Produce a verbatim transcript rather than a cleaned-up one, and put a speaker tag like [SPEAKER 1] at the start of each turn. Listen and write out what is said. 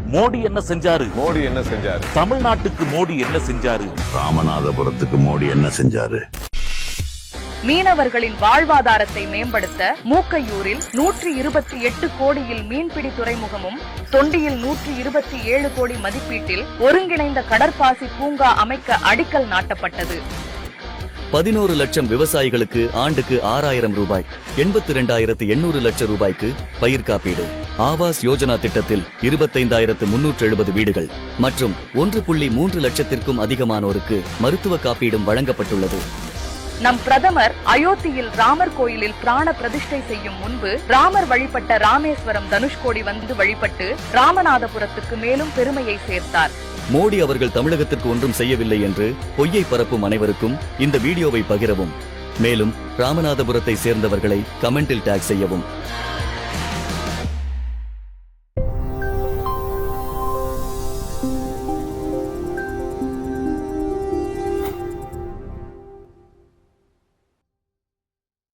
[SPEAKER 1] மோடி என்ன செஞ்சாரு?
[SPEAKER 2] மோடி என்ன செஞ்சாரு?
[SPEAKER 1] தமிழ்நாட்டுக்கு மோடி என்ன செஞ்சாரு?
[SPEAKER 3] ராமநாதபுரத்துக்கு மோடி என்ன செஞ்சாரு?
[SPEAKER 4] மீனவர்களின் வாழ்வாதாரத்தை மேம்படுத்த மூக்கையூரில் நூற்றி இருபத்தி எட்டு கோடியில் மீன்பிடி துறைமுகமும், தொண்டியில் நூற்றி இருபத்தி ஏழு கோடி மதிப்பீட்டில் ஒருங்கிணைந்த கடற்பாசி பூங்கா அமைக்க அடிக்கல் நாட்டப்பட்டது.
[SPEAKER 5] பதினோரு லட்சம் விவசாயிகளுக்கு ஆண்டுக்கு ஆறாயிரம் ரூபாய், எண்பத்தி இரண்டாயிரத்து எண்ணூறு லட்சம் ரூபாய்க்கு பயிர் காப்பீடு. ஆவாஸ் யோஜனா திட்டத்தில் இருபத்தைந்தாயிரத்து முன்னூற்று எழுபது வீடுகள் மற்றும் ஒன்று புள்ளி மூன்று லட்சத்திற்கும் அதிகமானோருக்கு மருத்துவ காப்பீடும் வழங்கப்பட்டுள்ளது.
[SPEAKER 4] நம் பிரதமர் அயோத்தியில் ராமர் கோயிலில் பிராண பிரதிஷ்டை செய்யும் முன்பு ராமர் வழிபட்ட ராமேஸ்வரம் தனுஷ்கோடி வந்து வழிபட்டு ராமநாதபுரத்துக்கு மேலும் பெருமையை சேர்த்தார்.
[SPEAKER 5] மோடி அவர்கள் தமிழகத்திற்கு ஒன்றும் செய்யவில்லை என்று பொய்யை பரப்பும் அனைவருக்கும் இந்த வீடியோவை பகிரவும். மேலும் ராமநாதபுரத்தை சேர்ந்தவர்களை கமெண்டில் டாக் செய்யவும்.